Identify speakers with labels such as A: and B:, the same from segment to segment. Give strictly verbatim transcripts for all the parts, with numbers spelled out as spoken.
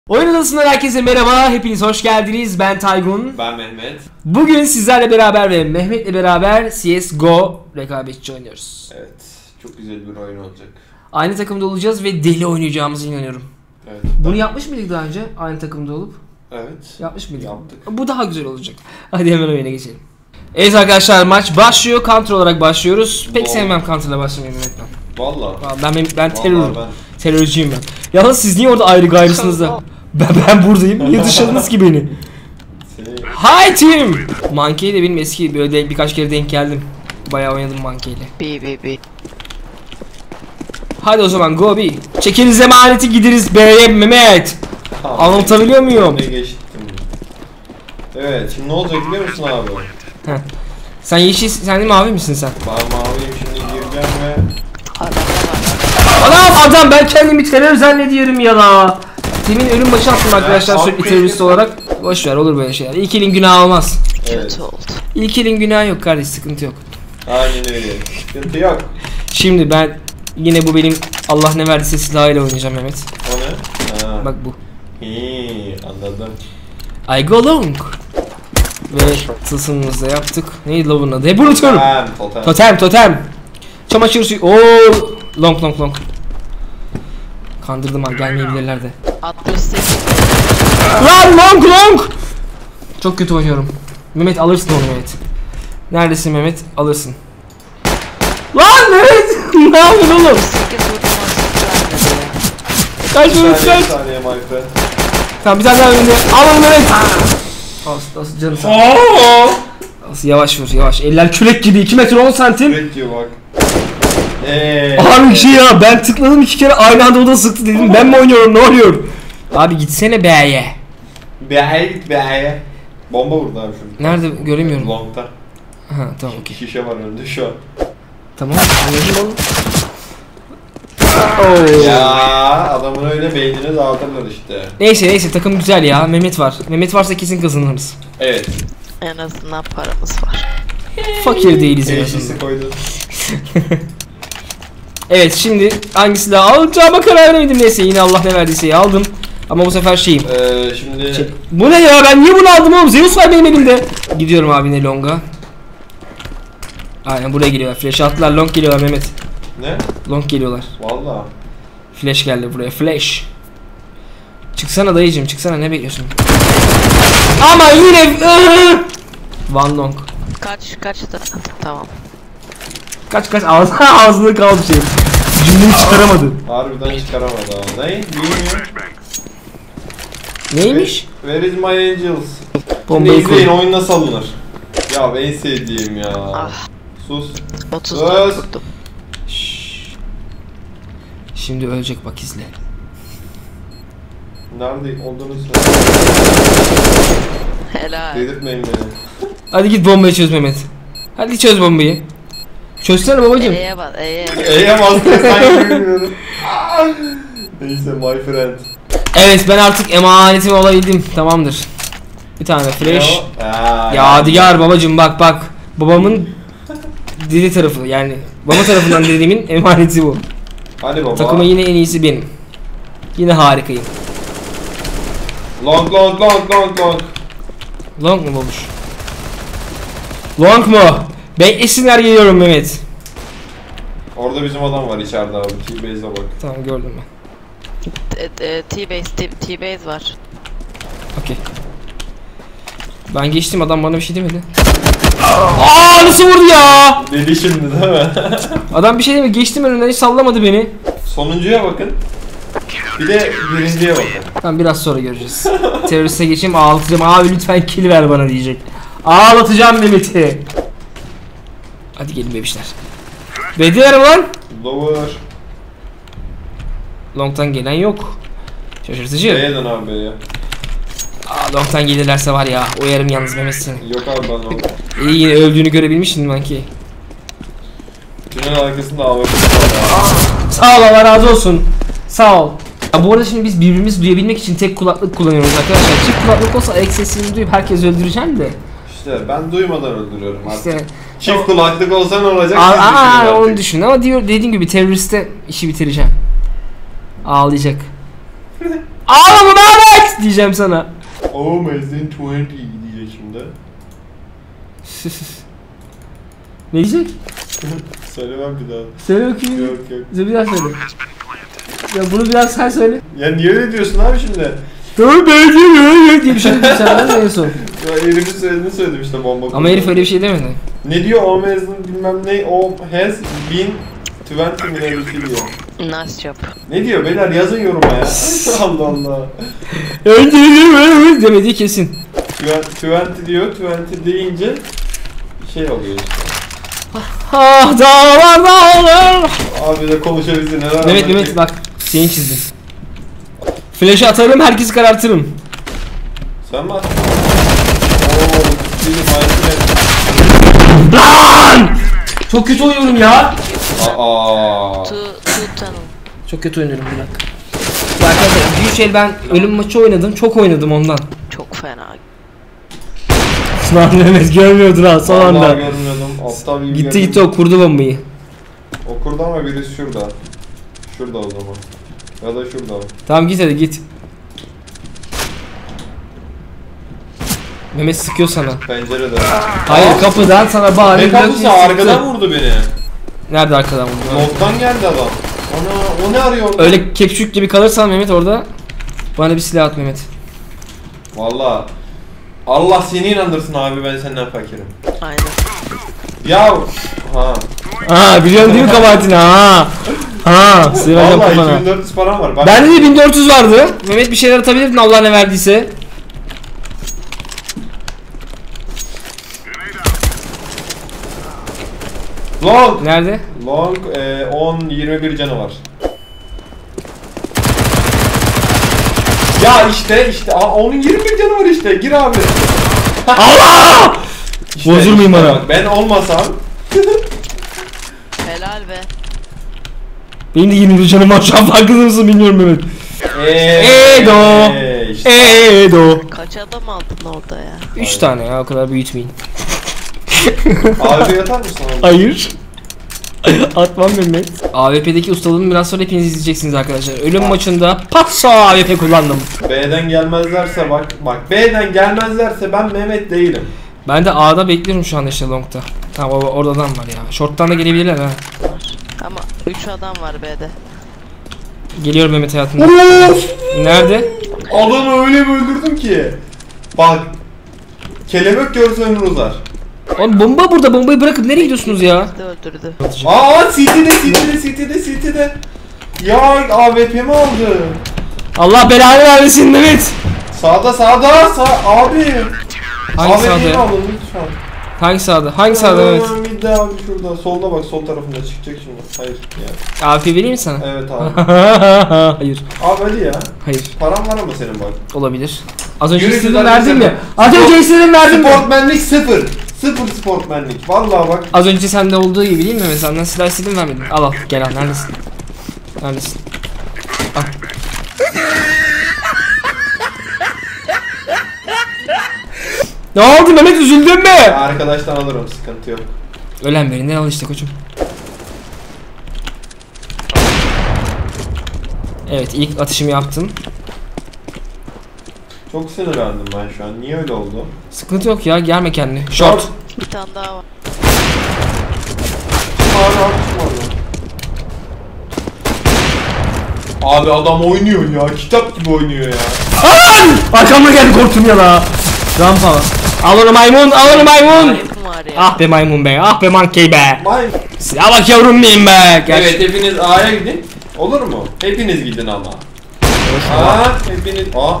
A: Oyun Odası'ndan herkese merhaba, hepiniz hoş geldiniz. Ben Taygun.
B: Ben Mehmet.
A: Bugün sizlerle beraber ve Mehmet'le beraber C S G O rekabetçi oynuyoruz.
B: Evet, çok güzel bir oyun olacak.
A: Aynı takımda olacağız ve deli oynayacağımıza inanıyorum.
B: Evet.
A: Bunu
B: ben...
A: yapmış mıydık daha önce? Aynı takımda olup?
B: Evet.
A: Yapmış mıydık?
B: Yaptık.
A: Bu daha güzel olacak. Hadi hemen oyuna geçelim. Evet arkadaşlar, maç başlıyor. Counter olarak başlıyoruz. Pek
B: Doğru.
A: sevmem Counter'la başlamayı Mehmet'ten.
B: Valla.
A: Ben ben, ben terör.
B: Ben...
A: Terörcüyüm ben. Yalnız siz niye orada ayrı gayrısınız da? Ben, ben buradayım. Niye dışladınız ki beni?
B: Seni...
A: Hi team! Monkey de benim eski böyle birkaç kere denk geldim. Bayağı oynadım Monkey ile.
C: B B B.
A: Hadi o zaman go B. Çekiniz emaneti gideriz B'ye Mehmet.
B: Tamam,
A: Anlatabiliyor muyum?
B: Ne geçtim. Evet, şimdi ne olacak biliyor musun abi?
A: Heh. Sen yeşil, sen de mavi misin sen?
B: Ben maviyim, şimdi gireceğim ve...
A: Adam adam ben kendimi terör zannediyorum ya la. Demin ölüm maçı attım arkadaşlar
B: Ya,
A: sürekli terörist olarak. Boş ver, olur böyle şeyler. İlk elin günahı olmaz.
B: Evet.
C: Kötü oldu.
A: İlk elin günahı yok kardeş, sıkıntı yok.
B: Aynen öyle. Sıkıntı yok.
A: Şimdi ben yine bu benim Allah ne verdiyse silahıyla oynayacağım Mehmet.
B: O ne? Ha.
A: Bak bu.
B: Hii, anladım.
A: I go long. Ve tılsımımızı da yaptık. Neydi la bunun adı? Hep unutuyorum.
B: Totem, totem.
A: Totem totem. Çamaşır suyu. Oo, long long long. Kandırdım ha, gelmeyebilirler de.
C: altmış sekiz.
A: Lan long long. Çok kötü oynuyorum. Mehmet alırsın onu Mehmet. Neredesin Mehmet? Alırsın. Lan Mehmet! Ne yapıyorsun oğlum?
C: sekiz vurdum
A: Kaç
B: Bir
A: Mehmet
B: saniye,
A: kaç?
B: bir saniye my friend.
A: Tamam, bir tane daha önünde. Al onu Mehmet. Asıl asıl canım sen. Asıl yavaş vur yavaş. Eller kürek gibi. iki metre on santim.
B: Direkt diyor bak. Eee.
A: Abi bir şey ya, ben tıkladım iki kere aynı anda o da sıktı dedim. Ben mi oynuyorum, ne oluyor? Abi gitsene B'ye.
B: B'ye git B'ye. Bomba vurdu abi şunu.
A: Nerede göremiyorum.
B: Long'ta.
A: Ha tamam okey.
B: Şişe var önünde şu an.
A: Tamam anladım oğlum. Oo.
B: Ya adamın öyle beynini dağıtırlar işte.
A: Neyse neyse, takım güzel ya. Mehmet var. Mehmet varsa kesin kazanırız.
B: Evet.
C: En azından paramız var.
A: Fakir değiliz en
B: Teşhisi
A: azından.
B: koydun.
A: Evet, şimdi hangi silahı alacağıma karar vermedim. Neyse, yine Allah ne verdiyse aldım. Ama bu sefer şeyim.
B: Ee, şimdi...
A: Şey, bu ne ya, ben niye bunu aldım oğlum? Zeus var benim elimde. Gidiyorum abi ne longa. Aynen buraya geliyorlar. Flash attılar, long geliyorlar Mehmet.
B: Ne?
A: Long geliyorlar.
B: Valla.
A: Flash geldi buraya, flash. Çıksana dayıcım, çıksana, ne bekliyorsun? Ama yine Van long.
C: Kaç kaçtı? Tamam.
A: Kaç kaç ağzına ağzını kaldı şey. Cümleyi çıkaramadı.
B: Harbiden çıkaramadı ha. Ne? Bilmiyorum.
A: Neymiş?
B: Where is my angels? Şimdi
A: Bombayı
B: izleyin
A: koy.
B: oyun nasıl alınır. Ya en sevdiğim ya.
C: Ah.
B: Sus.
C: otuz dört vurdum.
A: Şşş. Şimdi ölecek, bak izle.
B: Nerede olduğunu söyle.
C: Helal.
B: Dedirtmeyin beni.
A: Hadi git bombayı çöz Mehmet. Hadi çöz bombayı. Çözsene babacım.
C: E'ye bas E'ye.
B: E'ye bastım sanki bilmiyorum. Neyse my friend.
A: Evet, ben artık emanetim olabildim. Tamamdır. Bir tane flash.
B: Ya,
A: Yadigar babacım, bak bak. Babamın diri tarafı, yani baba tarafından dediğimin emaneti bu.
B: Hadi baba.
A: Takıma yine en iyisi benim. Yine harikayım.
B: Long long long long long.
A: Long mu babuş? Long mu? Beklesinler, geliyorum Mehmet.
B: Orada bizim adam var içeride abi. T-Base'e bak.
A: Tamam, gördüm ben.
C: T-base T-base var.
A: Okey. Ben geçtim, adam bana bir şey demedi. Aa, nasıl vurdu ya?
B: Dedi şimdi değil mi?
A: Adam bir şey demedi, geçtim önünden, hiç sallamadı beni.
B: Sonuncuya bakın. Bir de birinciye bakın.
A: Tamam, biraz sonra göreceğiz. Teröriste geçeyim, ağlatacağım. Abi lütfen kill ver bana diyecek. Ağlatacağım Mehmet'i. Hadi gelin bebişler. Bediler lan.
B: Lower.
A: Long'tan gelen yok. Şaşırtıcı.
B: B'ye dön abi B'ye.
A: Aa, long'tan gelirlerse var ya, oyarım yalnız Mehmet seni.
B: Yok abi ben long.
A: İyi, yine öldüğünü görebilmişsin Monkey.
B: Tünel arkasında A W P var.
A: Sağ ol, Allah razı olsun. Sağ ol. Ya bu arada şimdi biz birbirimizi duyabilmek için tek kulaklık kullanıyoruz arkadaşlar. Çift kulaklık olsa ayak sesini duyup herkes öldüreceğim de.
B: İşte ben duymadan öldürüyorum artık.
A: İşte
B: Çift kulaklık olsa ne olacak?
A: aa,
B: siz düşünün
A: aa,
B: artık.
A: onu düşün ama diyor, dediğim gibi teröriste işi bitireceğim. Ağlayacak. Ağlama Mehmet diyeceğim sana.
B: Oh Amazing yirmi diyecek şimdi.
A: Ne diyecek?
B: Söylemem bir daha.
A: Söyle bakayım.
B: Yok yok.
A: Bize bir daha söyle. Ya bunu biraz sen söyle.
B: Ya niye öyle diyorsun abi şimdi?
A: Tamam ben diye diye bir şey dedim sana en son.
B: Ya herifin söylediğini söyledim işte bomba.
A: Ama herif öyle bir şey demedi.
B: Ne diyor o mezun bilmem ne o has been yirmi mi öyle bir şey diyor.
C: Nice job.
B: Ne diyor beyler yazın yoruma ya. Allah Allah.
A: Demediği kesin.
B: yirmi diyor yirmi deyince şey oluyor işte.
A: Ah dağlar dağlar.
B: Abi de konuşabilsin neler.
A: Mehmet Mehmet bak seni çizdim. Flash'ı atarım herkesi karartırım.
B: Sen mi attın? Ooo ciddi bir
A: Lan! Çok kötü oynuyorum ya.
B: Aa.
C: Two, two tunnel.
A: Çok kötü oynuyorum bir dakika. Ya arkadaşlar büyük şey ben ölüm maçı oynadım çok oynadım ondan.
C: Çok fena.
A: Sınav Mehmet görmüyordun ha son
B: Vallahi
A: anda.
B: görmüyordum. Aptal gibi
A: Gitti
B: geldim.
A: gitti o kurdu bombayı.
B: Okurda ama birisi şurada. Şurada o zaman. Ya da şurada.
A: Tamam git hadi git. Mehmet sıkıyor sana.
B: Pencerede.
A: Hayır kapıdan sana bağırıyor.
B: Ne kapısı? Arkadan vurdu beni.
A: Nerede arkadan vurdu?
B: Long'dan geldi adam. Ana o ne arıyor orada?
A: Öyle kepçük gibi kalırsan Mehmet orada bana bir silah at Mehmet.
B: Valla Allah seni inandırsın abi ben senden fakirim.
C: Aynen.
B: Ya ha.
A: Aa biliyorsun değil mi kabahatini ha? Ha sığıracağım
B: Valla
A: kafana.
B: iki bin dört yüz param var. Bak.
A: Bende de bin dört yüz vardı. Mehmet bir şeyler atabilirdin Allah ne verdiyse.
B: Long.
A: Nerede?
B: Long e, on yirmi bir canı var. Ya işte işte aa, onun yirmi bir canı var işte gir abi.
A: Allah!
B: İşte,
A: Bozulmayayım
B: işte
A: bana.
B: bak, ben olmasam.
C: Helal be.
A: Benim de yirmi bir canım var şu an farkında mısın bilmiyorum Mehmet.
B: Eee
A: Edo.
B: işte.
A: Edo.
C: Kaç adam aldın orada ya?
A: Üç tane ya o kadar büyütmeyin.
B: Abi yatar mısın abi?
A: Hayır. Atmam Mehmet. A W P'deki ustalığımı biraz sonra hepiniz izleyeceksiniz arkadaşlar. Ölüm maçında patso A W P kullandım.
B: B'den gelmezlerse bak bak B'den gelmezlerse ben Mehmet değilim.
A: Ben de A'da bekliyorum şu anda işte long'da. Tamam o- orada adam var ya. Short'tan da gelebilirler ha.
C: Var. Ama üç adam var B'de.
A: Geliyorum Mehmet hayatımda. Nerede?
B: Adamı öyle bir öldürdüm ki. Bak. Kelebek görse ömür uzar.
A: Oğlum bomba burada bombayı bırakıp nereye gidiyorsunuz ya?
C: De öldürdü.
B: Aa City'de City'de City'de City'de. Ya A W P mi aldı?
A: Allah belanı vermesin Mehmet.
B: Sağda sağda sağ abi.
A: Hangi
B: A W P'yi
A: sağda?
B: alın lütfen.
A: Hangi sağda? Hangi sağda Mehmet?
B: Aa, Midde abi şurada. Solda bak sol tarafında çıkacak şimdi. Hayır yani.
A: A W P vereyim mi sana?
B: Evet abi.
A: Hayır.
B: Abi hadi ya.
A: Hayır.
B: Param var ama senin bak.
A: Olabilir. Az önce
B: Yürü
A: istedim
B: güzel
A: verdim
B: güzel.
A: ya. Az önce istedim verdim ya.
B: Sportmenlik sıfır. Sıfır sportmenlik. Vallahi bak.
A: Az önce sende olduğu gibi değil mi? Mesela senden silah istedim vermedim. Al al gel al neredesin? Neredesin? Al. Ne oldu Mehmet üzüldün mü?
B: Arkadaştan alırım sıkıntı yok.
A: Ölen birinden al işte koçum. Evet ilk atışımı yaptım.
B: Çok sinirlendim ben şu an. Niye öyle oldu?
A: Sıkıntı yok ya germe kendini. Short.
C: Bir tane daha var.
B: Hala atışmadı. Abi adam oynuyor ya. Kitap gibi oynuyor ya.
A: An! Arkamda geldi korktum ya la. Rampa. Al onu maymun, al onu maymun.
C: Ayıpım var ya.
A: Ah be maymun be, ah be monkey be.
B: Vay.
A: Ya bak yavrum benim be. Gel.
B: Evet hepiniz A'ya gidin. Olur mu? Hepiniz gidin ama. Aa hepiniz. Aa.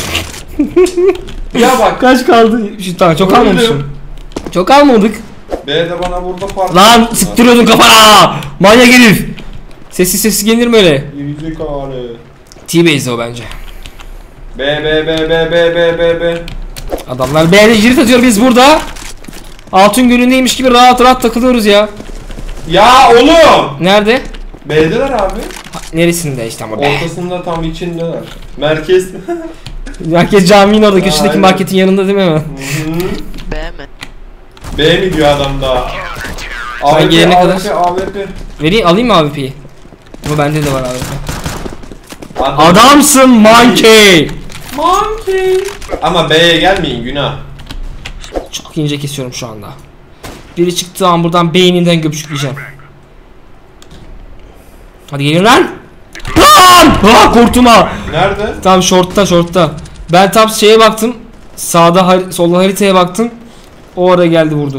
B: Ya bak.
A: Kaç kaldı? Şu tamam çok
B: Öldüm.
A: almamışım. Çok almadık.
B: B'de bana burada parça.
A: Lan sıktırıyordun kafana. Manyak herif. Sessiz sessiz gelir mi öyle?
B: Yüzük ağrı.
A: T-Base'de o bence.
B: B B B B B B B B.
A: Adamlar B'de jirit atıyor biz burada. Altın günündeymiş gibi rahat rahat takılıyoruz ya.
B: Ya oğlum.
A: Nerede?
B: B'deler abi.
A: Ha, neresinde işte ama be.
B: Ortasında tam içindeler. Merkez.
A: Herkes caminin orada köşedeki
B: Aynen.
A: marketin yanında değil mi hemen?
B: Hı hı.
C: B mi?
B: B mi diyor adam daha?
A: Ben gelene kadar-
B: A W P, A W P.
A: Vereyim alayım mı A W P'yi? Ama bende de var A W P.
B: Adam-
A: Adamsın monkey.
B: Monkey. Ama B'ye gelmeyin, günah.
A: Çok ince kesiyorum şu anda. Biri çıktığı an buradan beyninden göpçükleyeceğim. Hadi gelin lan. Lan! Ha, korktum.
B: Nerede?
A: Tam shortta shortta. Ben tam şeye baktım. Sağda har- soldan haritaya baktım. O ara geldi vurdu.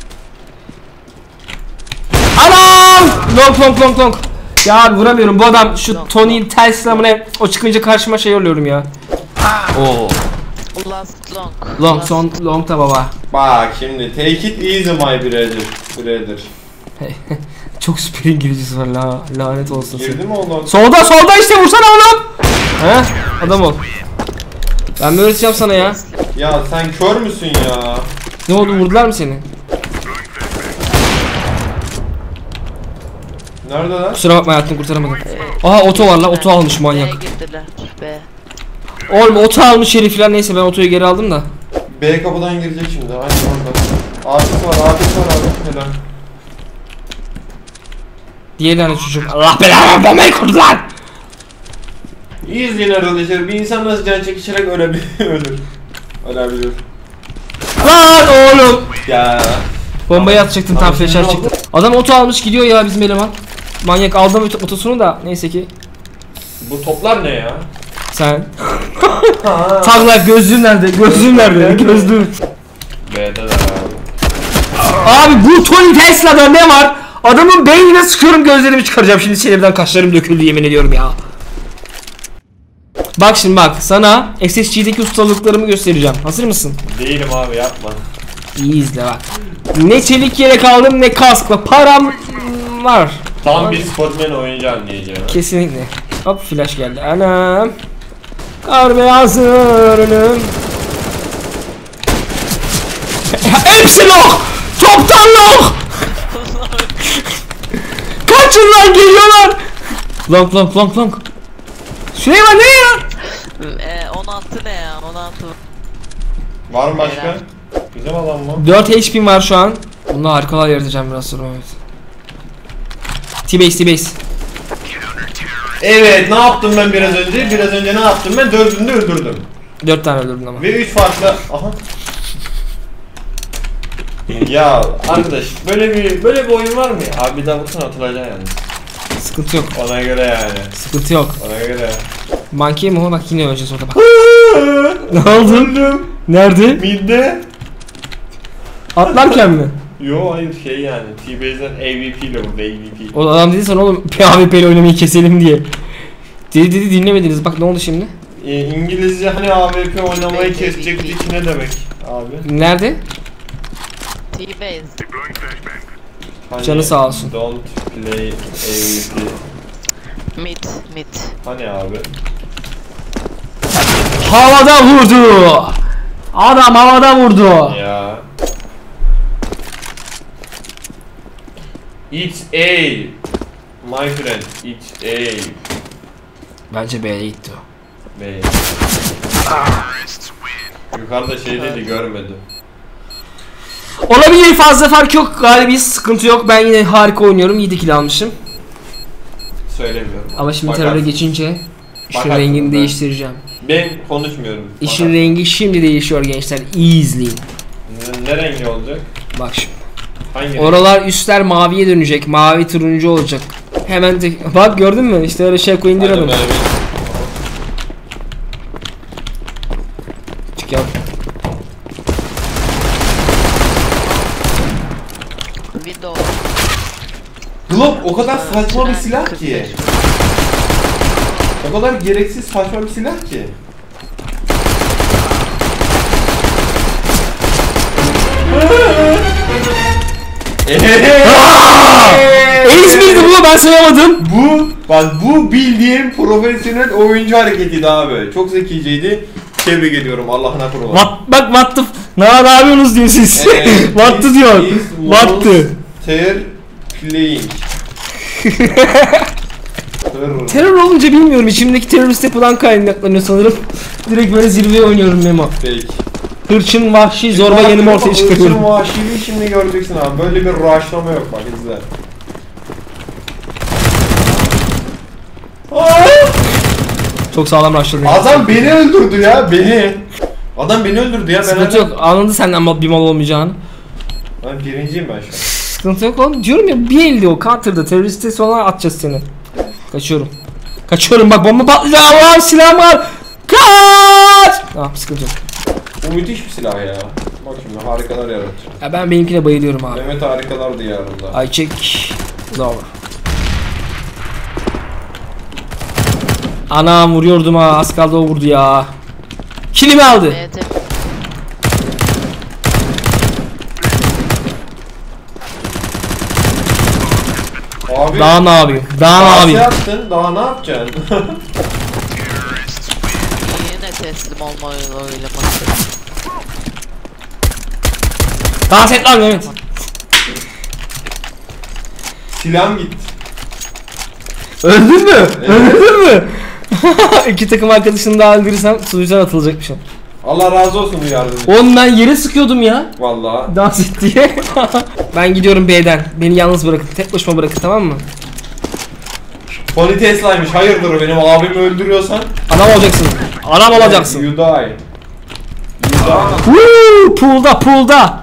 A: Anam! Long long long long. Ya abi vuramıyorum. Bu adam şu Tony Telsiz'le ne o çıkınca karşıma şey oluyorum ya. Oo.
C: Last long.
A: Long
C: Last-
A: son long da baba.
B: Bak şimdi take it easy my brother. Brother.
A: Çok süper İngilizcesi var la lanet olsun
B: Girdi
A: sen.
B: mi oğlum?
A: Solda solda işte vursana oğlum. He? Adam ol. Ben mi öğreteceğim sana ya?
B: Ya sen kör müsün ya?
A: Ne oldu, vurdular mı seni?
B: Nerede lan?
A: Kusura bakma hayatını kurtaramadım. Aha oto var la, oto almış manyak.
C: B'ye girdiler. B.
A: Oğlum oto almış herif falan, neyse ben otoyu geri aldım da.
B: B kapıdan girecek şimdi. Aynen orada. Artist var, artist var abi. Helal.
A: Diğer tane çocuk. Allah belanı, bombayı kurdular.
B: İyi izleyin arkadaşlar. Bir insan nasıl can çekişerek ölebilir. Ölür. Ölebilir.
A: Lan oğlum.
B: Ya.
A: Bombayı atacaktım, tam
B: Tamam,
A: flaşer
B: şimdi
A: çıktı.
B: oldu.
A: Adam oto almış gidiyor ya bizim eleman. Manyak, aldım oto- otosunu da neyse ki.
B: Bu toplar ne ya?
A: Sen. Tagla gözlüğün nerede? Gözlüğün nerede? Gözlüğün.
B: B'de de abi.
A: Abi bu Tony Tesla'da ne var? Adamın beynine sıkıyorum, gözlerimi çıkaracağım şimdi, sinirden kaşlarım döküldü yemin ediyorum ya. Bak şimdi bak, sana S S G'deki ustalıklarımı göstereceğim. Hazır mısın?
B: Değilim abi, yapma.
A: İyi izle bak. Ne çelik yelek aldım ne kaskla. Param var.
B: Tam bir sportman oyuncu anlayacağım.
A: Kesinlikle. Hop flash geldi. Anam. Kar beyazı önüm. Hepsi loh. Toptan loh. Kaçın lan, geliyorlar. Long long long long. Süleyman ne ya?
C: E, on altı ne ya? on altı.
B: Var mı başka? Güzel adam mı?
A: dört H P'm var şu an. Bununla harikalar yaratacağım biraz sonra, evet. T-base T-base.
B: Evet, ne yaptım ben biraz önce? Biraz önce ne yaptım ben? Dördünü de öldürdüm.
A: dört tane öldürdün ama.
B: Ve üç farklı... Aha. Ya arkadaş, böyle bir böyle bir oyun var mı ya? Abi bir daha vursana, atılacaksın yalnız.
A: Sıkıntı yok.
B: Ona göre yani.
A: Sıkıntı yok.
B: Ona göre.
A: Monkey mi o? Bak yine öleceğiz orada bak. Ne oldu?
B: Öldüm.
A: Nerede?
B: Midde.
A: Atlarken mi?
B: Yo hayır, şey yani T-Base'den A V P ile burada A V P.
A: O adam dedi sana oğlum P A V P ile oynamayı keselim diye. Dedi dedi dinlemediniz, bak ne oldu şimdi?
B: Ee, İngilizce hani A V P oynamayı kesecekti ki ne demek abi?
A: Nerede?
C: T-base.
B: Hani
A: Canı sağ olsun.
B: Don't play A V P.
C: Mid. Mid.
B: Hani abi?
A: Havada vurdu. Adam havada vurdu.
B: Ya. It's A. My friend, it's A.
A: Bence B'ye gitti o.
B: B. Yukarıda şey dedi, görmedi.
A: Olabilir, fazla fark yok, galibiyet sıkıntı yok. Ben yine harika oynuyorum, iyi de kill almışım.
B: Söylemiyorum.
A: Ama şimdi
B: Bakarsın.
A: teröre geçince işin
B: Bakarsın
A: rengini
B: ben.
A: değiştireceğim.
B: Ben konuşmuyorum.
A: İşin
B: Bakarsın.
A: rengi şimdi değişiyor gençler, iyi izleyin.
B: Ne, ne rengi olacak?
A: Bak şimdi.
B: Hangi renk?
A: Oralar üstler maviye dönecek, mavi turuncu olacak. Hemen de bak gördün mü? İşte öyle şey koyun
B: Hadi
A: diyorum.
B: böyle bir-
A: Çık ya.
C: Window.
B: Glock o kadar saçma bir
C: Tren
B: silah
C: kırk
B: ki.
C: beş.
B: O kadar gereksiz saçma bir silah ki.
A: Elis miydi bu? Ben sayamadım.
B: Bu, bak bu bildiğin profesyonel oyuncu hareketiydi abi. Çok zekiceydi. Tebrik ediyorum, Allah'ına kurban.
A: What, bak what the f- ne, ne yapıyorsunuz diyor siz. What the diyor. What the.
B: Ter playing.
A: Terör olunca bilmiyorum, içimdeki terörist yapıdan kaynaklanıyor sanırım. Direkt böyle zirveye oynuyorum Memo.
B: Peki.
A: Hırçın, vahşi, zorba yanımı ortaya çıkarıyorum.
B: Hırçın vahşiliği şimdi göreceksin abi. Böyle bir rushlama yok, bak izle.
A: Çok sağlam başladı.
B: Adam beni öldürdü ya, beni. Adam beni öldürdü ya.
A: Sıkıntı yok. Anladı senden mal- bir mal olmayacağını.
B: Ben birinciyim ben şu an.
A: Sıkıntı yok oğlum. Diyorum ya bir elde o counter'da teröristi sonra atacağız seni. Kaçıyorum. Kaçıyorum bak bomba patlayacak. Allah'ım silahım var. Kaç! Tamam sıkıntı yok.
B: Bu müthiş bir silah ya. Bak şimdi harikalar yaratır.
A: Ya ben benimkine bayılıyorum abi.
B: Mehmet harikalar diyarında.
A: I check. Lower. Anam vuruyordum ha. Az kaldı o vurdu ya. Kilimi aldı.
C: Evet.
B: Abi.
A: Daha ne yapayım? Daha ne
B: Daha
A: yapayım?
B: yaptın, daha ne yapacaksın?
C: Yine teslim olma oylaması.
A: Dans et lan Mehmet.
B: Silahım gitti.
A: Öldün mü?
B: Evet.
A: Öldün mü? İki takım arkadaşını daha öldürürsem sunucudan atılacakmışım.
B: Allah razı olsun bu yardım.
A: Oğlum ben yere sıkıyordum ya.
B: Vallahi.
A: Dans et diye. Ben gidiyorum B'den. Beni yalnız bırakın. Tek başıma bırakın tamam mı?
B: Tony Tesla'ymış. Hayırdır benim abimi öldürüyorsan?
A: Adam olacaksın. Adam olacaksın.
B: You die. You die.
A: Woo! Pool'da pool'da.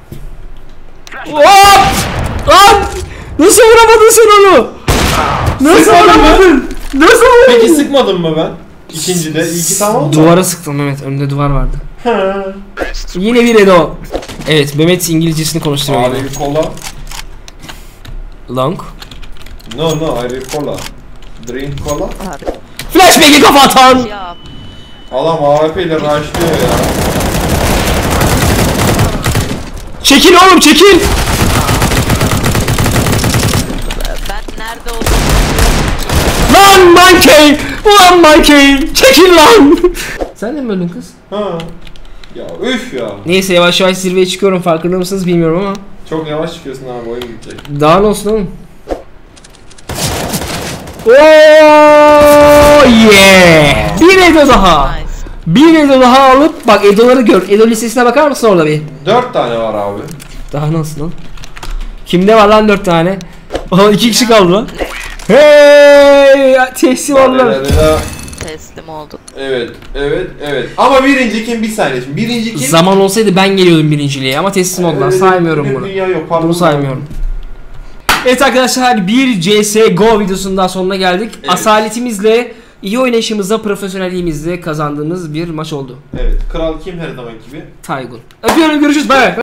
A: Hop! Lan! Nasıl vuramadın sen onu? Nasıl
B: Sıkmadın mı?
A: vuramadın? Nasıl vuramadın?
B: Peki sıkmadım mı ben? İkincide. İyi ki tamam mı?
A: Duvara sıktım Mehmet. Önünde duvar vardı.
B: Ha.
A: Yine bir Edo. Evet Mehmet İngilizcesini konuşturuyor.
B: Abi
A: yine.
B: bir kola.
A: Long.
B: No no ayrı kola. Drink kola.
A: Flashback'i kafa atan.
C: Ya
B: Adam A W P ile rushlıyor ya.
A: Çekil oğlum çekil.
C: ben nerede olduğumu
A: Lan Monkey. Ulan Monkey. Çekil lan. Sen de mi öldün kız?
B: Ha. Ya üf ya.
A: Neyse yavaş yavaş zirveye çıkıyorum farkında mısınız bilmiyorum ama.
B: Çok yavaş çıkıyorsun abi oyun bitecek.
A: Daha ne olsun oğlum? Oh yeah! Bir Edo daha.
C: nice.
A: Bir Edo daha alıp bak Edo'ları gör. Edo listesine bakar mısın orada bir?
B: Dört tane var abi.
A: Daha nasıl lan? Kimde var lan dört tane? Oha iki kişi kaldı lan. Hey! Teslim oldular.
C: Teslim olduk.
B: Evet, evet, evet. Ama birinci kim? Bir saniye şimdi. Birinci kim?
A: Zaman olsaydı ben geliyordum birinciliğe ama teslim oldular.
B: Öyle
A: Saymıyorum
B: bir
A: bunu.
B: Dünya yok. Pardon.
A: Bunu saymıyorum. Evet arkadaşlar bir C S G O videosunun daha sonuna geldik.
B: Evet.
A: Asaletimizle, iyi oynayışımızla, profesyonelliğimizle kazandığımız bir maç oldu.
B: Evet. Kral kim her zaman gibi?
A: Taygun. Öpüyorum görüşürüz. Bye.